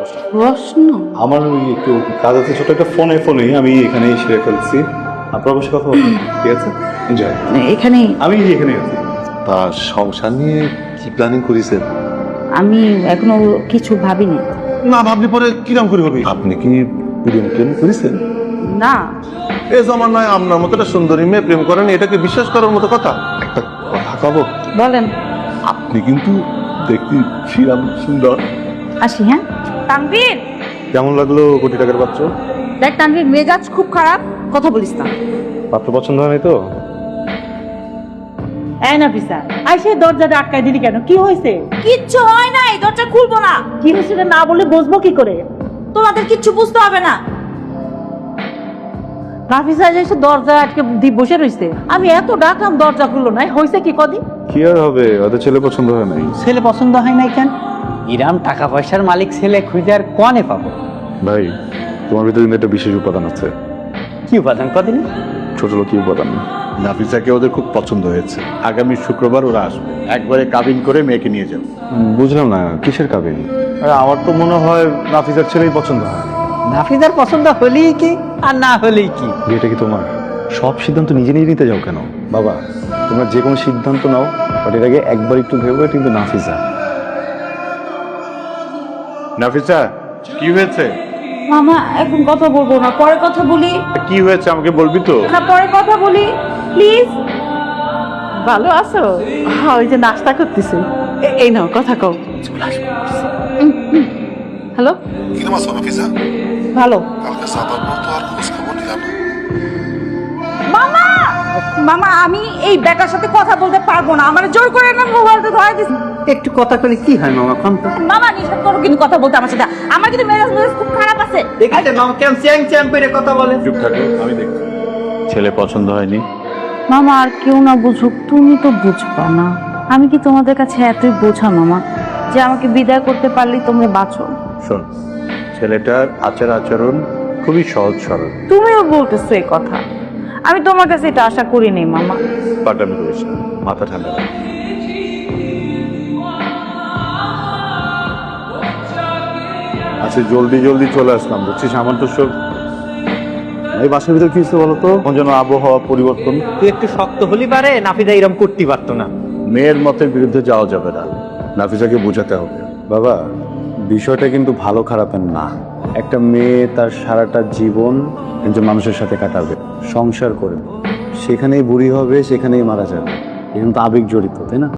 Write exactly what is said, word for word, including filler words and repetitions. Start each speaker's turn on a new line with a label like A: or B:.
A: প্রশ্ন?
B: আমার ওই একটু কাজ আছে, ছোট একটা ফোনে ফোনে আমি এখানেই সেরে ফেলছি। আপনার বসে কথা বলবেন, ঠিক আছে? এনজয়।
A: এখানে
B: আমি এখানে আছি।
C: তা সংসার নিয়ে কি প্ল্যানিং করেছেন?
A: আমি এখনো কিছু ভাবিনি।
C: না ভাবলে পরে কিরম করে হবে? আপনি কি প্রেম প্রেম করেছেন?
A: না,
C: এ জমানায় আপনার মতো একটা সুন্দরী মেয়ে প্রেম করেন, এটাকে বিশ্বাস করার মতো কথা? একটা কথা কব,
A: বলেন।
C: আপনি কিন্তু দেখতে ছিলাম সুন্দর।
A: আসি। হ্যাঁ তানভীর,
B: কেমন লাগলো কোটি টাকার পাত্র?
A: দেখ তানভীর, মেজাজ খুব খারাপ, কথা বলিস না।
B: পাত্র পছন্দ হয় নাই তো?
D: এই নাফিসা, আইসে দরজাটা আটকায় দিলি কেন? কি হয়েছে?
A: কিচ্ছু হয় নাই, দরজা খুলবো না।
D: কি হয়েছে না বলে বুঝবো কি করে?
A: তোমাদের কিচ্ছু বুঝতে হবে না।
D: নাফিসা এসে দরজা আটকে দি বসে রইছে। আমি এত ডাকলাম, দরজা খুললো না। হয়েছে কি কদি?
B: কি আর হবে, ওদের ছেলে পছন্দ হয় নাই।
D: ছেলে পছন্দ হয় নাই কেন?
E: ইরাম টাকা পয়সার মালিক ছেলে খুঁজে আর কনে পাবো?
B: ভাই, তোমার ভিতরে কিন্তু একটা বিশেষ উপাদান আছে।
E: কি উপাদান কদিন?
B: ছোট লোক উপাদান।
F: নাফিসাকে ওদের খুব পছন্দ হয়েছে। আগামী শুক্রবার ওরা আসবে, একবারে কাবিন করে মেয়েকে নিয়ে যাবে।
B: বুঝলাম না, কিসের কাবিন? আরে আমার তো মনে হয় নাফিসার ছেলেই পছন্দ হয়।
E: নাফিজার পছন্দ হলেই কি আর না হলেই কি?
B: বিয়েটা কি তোমার? সব সিদ্ধান্ত নিজে নিজে নিতে যাও কেন? বাবা, তোমরা যে কোনো সিদ্ধান্ত নাও, বাট এর আগে একবার একটু ভেবে কিন্তু নাফিসা।
F: নাফিসা, কি হয়েছে?
A: মামা এখন কথা বলবো না, পরে কথা বলি।
F: কি হয়েছে আমাকে বলবি তো?
A: না, পরে কথা বলি প্লিজ।
D: ভালো আছো? হ্যাঁ, ওই যে নাস্তা করতেছে। এ- এই নাও, কথা কও।
A: হ্যালো,
C: কিরম আছো নাফিসা?
D: ভালো।
C: কালকে সাদার পর তো আর খোঁজ খবর নিলাম না।
A: মামা। মামা, আমি এই বেটার সাথে কথা বলতে পারবো না, আমার জোর করে না মোবাইলটা ধরে দিস।
E: একটু কথা কলে কি হয় মামা? কম তো
A: মামা নিষেধ করো কিন্তু কথা বলতে আমার সাথে। আমার কিন্তু মেজাজ মেজাজ খুব খারাপ আছে।
E: দেখেছেন মামা কেমন চ্যাং চ্যাং করে কথা বলে?
F: চুপ থাকো, আমি দেখছি। ছেলে পছন্দ হয়নি?
A: মামা, আর কেউ না বুঝুক, তুমি তো বুঝবা না। আমি কি তোমাদের কাছে এতই বোঝা মামা যে আমাকে বিদায় করতে পারলেই তোমরা বাঁচো?
F: শোন, ছেলেটার আচার আচরণ খুবই সহজ সরল।
A: তুমিও বলতেছো এই কথা, আমি তোমার কাছে এটা আশা করিনি মামা।
F: পাটামি করিস না, মাথা ঠান্ডা রাখ। আচ্ছা, জলদি জলদি চলে আসলাম, বুঝছিস? আমার তো সব এই বাসার ভিতরে কি হচ্ছে বলতো? কোন যেন আবহাওয়া পরিবর্তন।
E: তুই একটু শক্ত হলি পারে, নাফিজা এরম করতে পারতো না।
F: মেয়ের মতের বিরুদ্ধে যাওয়া যাবে না, নাফিসাকে বোঝাতে হবে।
B: বাবা, বিষয়টা কিন্তু ভালো খারাপের না। একটা মেয়ে তার সারাটা জীবন একজন মানুষের সাথে কাটাবে, সংসার করবে, সেখানেই বুড়ি হবে, সেখানেই মারা যাবে। কিন্তু আবেগ জড়িত, তাই না?